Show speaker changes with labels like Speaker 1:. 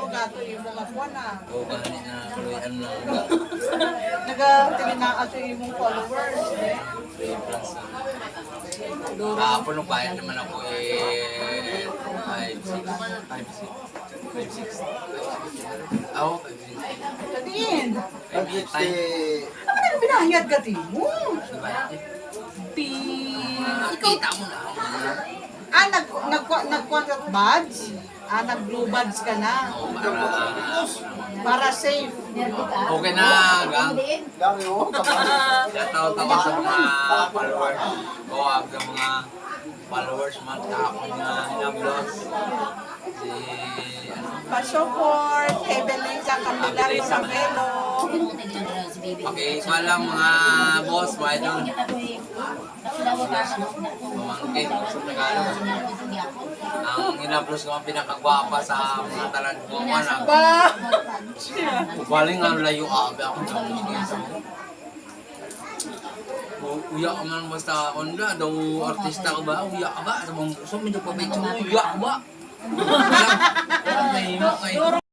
Speaker 1: gato yung mga kuwan na.
Speaker 2: O gani na kaluyan lang.
Speaker 1: Nag-tinaaso yung mong followers.
Speaker 2: 3 plus. Nung bayan naman ako 5'6". Ako 5'6".
Speaker 1: Kadin.
Speaker 2: Time.
Speaker 1: Ano ka binahiyad ka, Timo?
Speaker 2: Diba?
Speaker 1: Ikaw,
Speaker 2: Kita mo na.
Speaker 1: nag-contract badge? Nag-blue badge ka na.
Speaker 2: O
Speaker 1: Para safe.
Speaker 2: okay na, gang. Natawa-tawa sa mga followers. O sa mga followers man ako na hinablos. Si
Speaker 1: Pa-support, Evelyn sa Candelario sa Velo.
Speaker 2: pakikuha lang mga boss, mga idol. Pamangkin sa Tagalog. Ang hinablos ko ang pinakagwapa sa mga talan ko.
Speaker 1: Ba?
Speaker 2: Baling ang layo abi ako sa uya ka man basta onda daw artista ka ba? Uya ka ba? Sa mga puso, medyo pa medyo uya ka ba? May mo kayo.